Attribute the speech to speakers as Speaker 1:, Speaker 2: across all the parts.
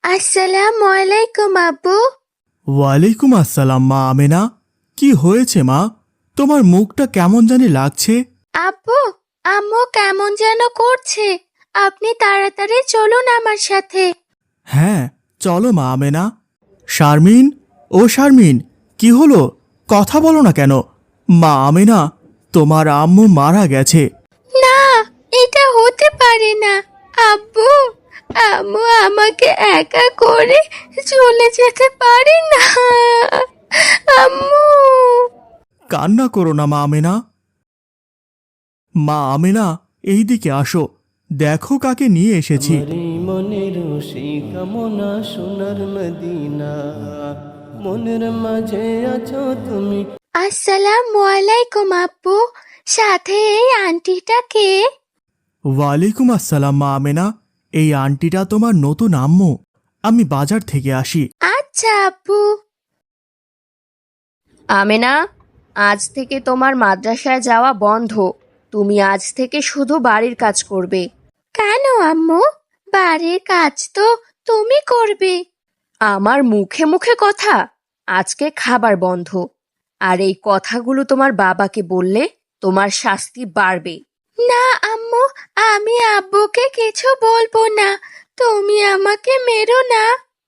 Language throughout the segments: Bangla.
Speaker 1: আসসালামু আলাইকুম আব্বু।
Speaker 2: ওয়ালাইকুম আসসালাম মা আমেনা। কি হয়েছে মা? তোমার মুখটা কেমন জানি লাগছে।
Speaker 1: আব্বু, আম্মু কেমন যেন করছে। আপনি তাড়াতাড়ি চলুন আমার সাথে।
Speaker 2: হ্যাঁ, চলো মা আমেনা। শারমিন, ও শারমিন, কি হলো? কথা বলো না কেন? মা আমেনা, তোমার আম্মু মারা গেছে।
Speaker 1: না, এটা হতে পারে না। আব্বু, আম্মু আমাকে একা করে চলে যেতে পারে না। আম্মু।
Speaker 2: কান্না করো না মা আমেনা। মা আমেনা, এইদিকে আসো, দেখো কাকে নিয়ে এসেছি।
Speaker 3: আমারই মনের সেই কামনা সোনার মদিনা, মনের মাঝে আছো তুমি।
Speaker 1: আসসালামু আলাইকুম আব্বু। সাথে এই আন্টিটা কে?
Speaker 2: ওয়ালাইকুম আসসালাম মা আমেনা। এই আন্টিটা তোমার নতুন আম্মু। আমি বাজার থেকে আসি।
Speaker 1: আচ্ছা আব্বু।
Speaker 4: আমেনা, আজ থেকে তোমার মাদ্রাসায় যাওয়া বন্ধ। তুমি আজ থেকে শুধু বাড়ির কাজ করবে।
Speaker 1: কেন আম্মু? বাড়ির কাজ তো তুমি করবে।
Speaker 4: আমার মুখে মুখে কথা। আজকে খাবার বন্ধ। আর এই কথাগুলো তোমার বাবাকে বললে তোমার শাস্তি বাড়বে।
Speaker 1: না আম্মু, আমি আব্বুকে কিছু বলবো না। তুমি আমাকে মেরো না।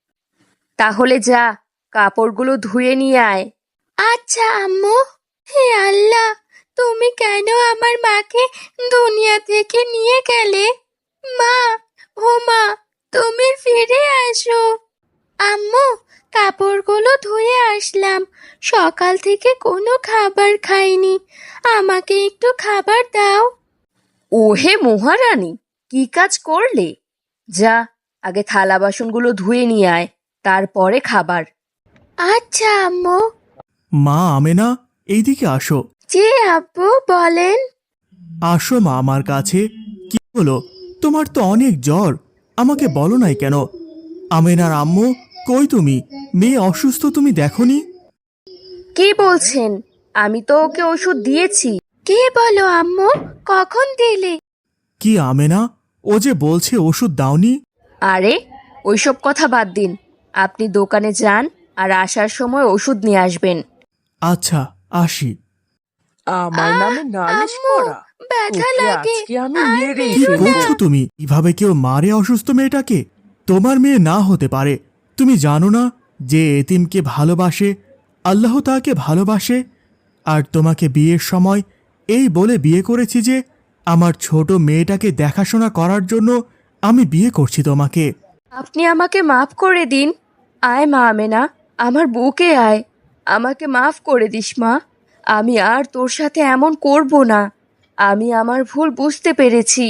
Speaker 4: তাহলে যা, কাপড়গুলো ধুয়ে নিয়ে আয়।
Speaker 1: আচ্ছা আম্মু। হে আল্লাহ, তুমি কেন আমার মাকে দুনিয়া থেকে নিয়ে গেলে? মা, ও মা, তুমি ফিরে আসো। আম্মু, কাপড়গুলো ধুয়ে আসলাম। সকাল থেকে কোনো খাবার খাইনি। আমাকে একটু খাবার দাও।
Speaker 4: ওহে মহারানী, কি কাজ করলে? যা, আগে থালা বাসনগুলো ধুয়ে নিয়ে আয়, তারপরে খাবার।
Speaker 1: আচ্ছা আম্মু।
Speaker 2: মা আমেনা, এইদিকে আসো।
Speaker 1: জি আব্বু, বলেন।
Speaker 2: আসো মা আমার কাছে। কি হলো? তোমার তো অনেক জ্বর। আমাকে বলো নাই কেন? আমেনার আম্মু, কই তুমি? মেয়ে অসুস্থ, তুমি দেখনি?
Speaker 4: কি বলছেন? আমি তো ওকে ওষুধ দিয়েছি।
Speaker 1: কে বলো আম্মু? কখন দিলে?
Speaker 2: কি আমেনা, ও যে বলছে ওষুধ দাওনি।
Speaker 4: আরে, ওইসব কথা বাদ দিন। আপনি দোকানে যান আর আসার সময় ওষুধ নিয়ে আসবেন।
Speaker 2: আচ্ছা, আসি।
Speaker 5: আমার নামে নালিশ
Speaker 1: আম্মু,
Speaker 5: করা?
Speaker 1: ব্যথা
Speaker 5: তোকে
Speaker 1: লাগে।
Speaker 5: আজকে আমি
Speaker 1: আর
Speaker 5: মেরেই
Speaker 2: কি
Speaker 1: মেরো না।
Speaker 2: করছো তুমি? কিভাবে কেউ মারে অসুস্থ মেয়েটাকে? তোমার মেয়ে না হতে পারে। তুমি জানো না যে এতিমকে ভালোবাসে আল্লাহ তাকে ভালোবাসে? আর তোমাকে বিয়ের সময় এই বলে বিয়ে করেছি যে আমার ছোট মেয়েটাকে দেখাশোনা করার জন্য আমি বিয়ে করছি তোমাকে।
Speaker 4: আপনি আমাকে মাফ করে দিন। আয় মা আমেনা, আমার বুকে আয়। আমাকে মাফ করে দিস মা। আমি আর তোর সাথে এমন করব না। আমি আমার ভুল বুঝতে পেরেছি।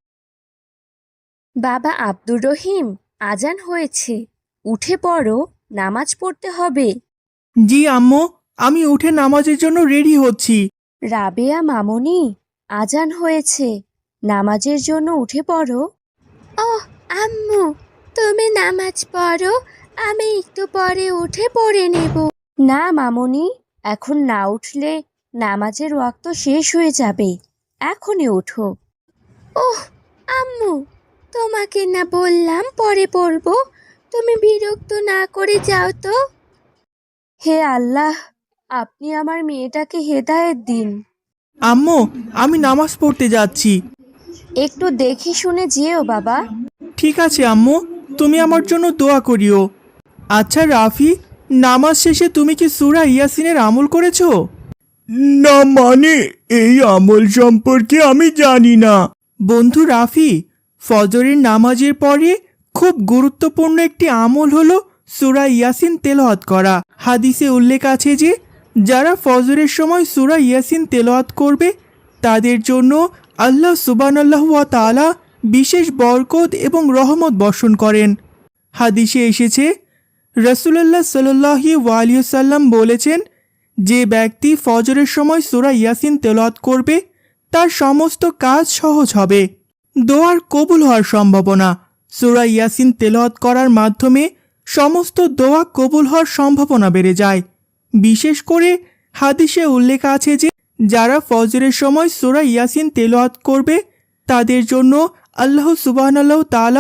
Speaker 4: বাবা আব্দুর রহিম, আজান হয়েছে। উঠে পড়ো, নামাজ পড়তে হবে।
Speaker 2: জি আম্মু, আমি উঠে নামাজের জন্য রেডি হচ্ছি।
Speaker 4: রাবেয়া মামনি, আজান হয়েছে। নামাজের জন্য উঠে পড়ো।
Speaker 1: ওহ আম্মু, তুমি নামাজ পড়ো। আমি একটু পরে উঠে পড়ে নেব।
Speaker 4: না মামনি, এখন না উঠলে নামাজের ওয়াক্ত শেষ হয়ে যাবে। এখনই ওঠো।
Speaker 1: ওহ আম্মু, তোমাকে না বললাম পরে পড়বো? তুমি বিরক্ত না করে যাও তো।
Speaker 4: হে আল্লাহ, আপনি আমার মেয়েটাকে হেদায়েত দিন।
Speaker 2: আম্মু, আমি নামাজ পড়তে যাচ্ছি।
Speaker 4: একটু দেখে শুনে যেও বাবা।
Speaker 2: ঠিক আছে আম্মু, তুমি আমার জন্য দোয়া করিও। আচ্ছা রাফি, নামাজ শেষে তুমি কি সূরা ইয়াসিনের আমল করেছো? না, মানে এই আমল সম্পর্কে আমি জানি না। বন্ধু রাফি, ফজরের নামাজের পরে খুব গুরুত্বপূর্ণ একটি আমল হলো সূরা ইয়াসিন তেলাওয়াত করা। হাদিসে উল্লেখ আছে যে যারা ফজরের সময় সূরা ইয়াসিন তেলাওয়াত করবে তাদের জন্য আল্লাহ সুবহানাল্লাহু ওয়া তাআলা বিশেষ বরকত এবং রহমত বর্ষণ করেন। হাদিসে এসেছে, রাসূলুল্লাহ সাল্লাল্লাহু আলাইহি ওয়াসাল্লাম বলেছেন, যে ব্যক্তি ফজরের সময় সূরা ইয়াসিন তেলাওয়াত করবে তার সমস্ত কাজ সহজ হবে। দোয়ার কবুল হওয়ার সম্ভাবনা। সূরা ইয়াসিন তেলাওয়াত করার মাধ্যমে সমস্ত দোয়া কবুল হওয়ার সম্ভাবনা বেড়ে যায়। বিশেষ করে হাদিসে উল্লেখ আছে যে যারা ফজরের সময় সূরা ইয়াসিন তেলাওয়াত করবে তাদের জন্য আল্লাহ সুবহানাল্লাহু তাআলা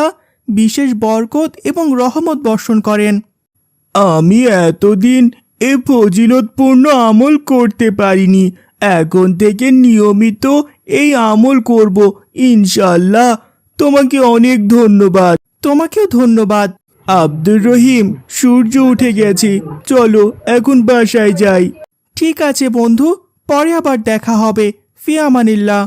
Speaker 2: বিশেষ বরকত এবং রহমত বর্ষণ করেন। আমি এতদিন এ ফজিলতপূর্ণ আমল করতে পারিনি, এখন থেকে নিয়মিত এই আমল করব ইনশাআল্লাহ। তোমাকে অনেক ধন্যবাদ। তোমাকেও ধন্যবাদ। আব্দুর রহিম, সূর্য উঠে গেছে, চলো এখন বাসায় যাই। ঠিক আছে বন্ধু, পরে আবার দেখা হবে। ফি আমানিল্লাহ।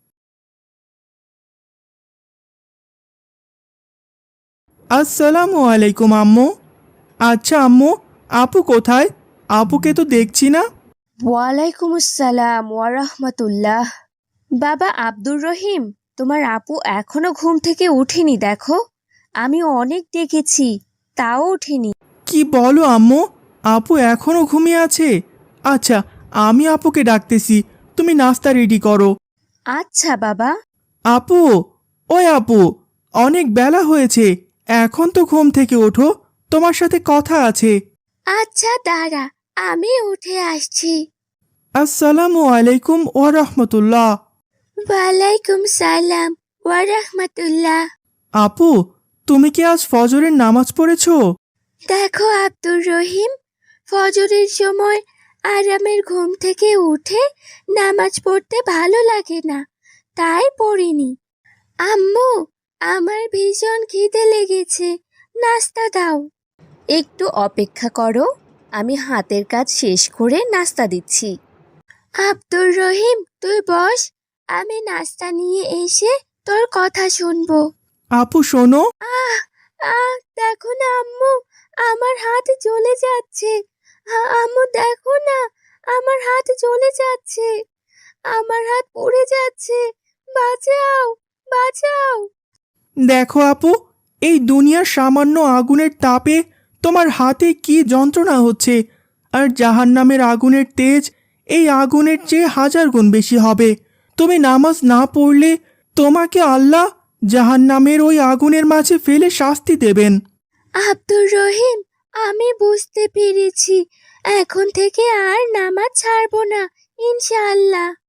Speaker 2: আসসালামু আলাইকুম আম্মু। আচ্ছা আম্মু, আপু কোথায়? আপুকে তো দেখছি না।
Speaker 4: ওয়ালাইকুম আসসালাম ওয়ারহমতুল্লাহ। বাবা আব্দুর রহিম, তোমার আপু এখনো ঘুম থেকে উঠেনি দেখো। আমি অনেক ডেকেছি, তাও ওঠেনি।
Speaker 2: কি বলো আম্মু? আপু এখনো ঘুমিয়ে আছে? আচ্ছা, আমি আপুকে ডাকতেছি, তুমি নাস্তা রেডি করো।
Speaker 4: আচ্ছা বাবা।
Speaker 2: আপু, ওই আপু, অনেক বেলা হয়েছে, এখন তো ঘুম থেকে ওঠো, তোমার সাথে কথা আছে।
Speaker 1: আচ্ছা দাঁড়া, আমি উঠে আসছি।
Speaker 2: আসসালামু আলাইকুম ওয়া রাহমাতুল্লাহ।
Speaker 1: ওয়ালাইকুম সালাম ওয়া রাহমাতুল্লাহ।
Speaker 2: আপু, তুমি কি আজ ফজরের নামাজ পড়েছো?
Speaker 1: দেখো আব্দুর রহিম, ফজরের সময় আরামের ঘুম থেকে উঠে নামাজ পড়তে ভালো লাগে না, তাই পড়িনি। আম্মু, আমার ভীষণ খিদে লেগেছে, নাস্তা দাও।
Speaker 4: একটু অপেক্ষা করো, আমি হাতের কাজ শেষ করে নাস্তা দিচ্ছি।
Speaker 1: আব্দুর রহিম, তুই বস, আমি নাস্তা নিয়ে এসে তোর কথা শুনবো।
Speaker 2: আপু শোনো।
Speaker 1: আহ আহ দেখো না আম্মু, আমার হাত জ্বলে যাচ্ছে। আম্মু দেখো না, আমার হাত জ্বলে যাচ্ছে, আমার হাত পুড়ে যাচ্ছে, বাঁচাও, বাঁচাও।
Speaker 2: দেখো আপু, এই দুনিয়ার সামান্য আগুনের তাপে তোমার হাতে কি যন্ত্রণা হচ্ছে, আর জাহান্নামের আগুনের তেজ এই আগুনের চেয়ে 1000 গুণ বেশি হবে। তুমি নামাজ না পড়লে তোমাকে আল্লাহ জাহান্নামের ওই আগুনের মাঝে ফেলে শাস্তি দেবেন।
Speaker 1: আব্দুর রহিম, আমি বুঝতে পেরেছি, এখন থেকে আর নামাজ ছাড়বো না ইনশাআল্লাহ।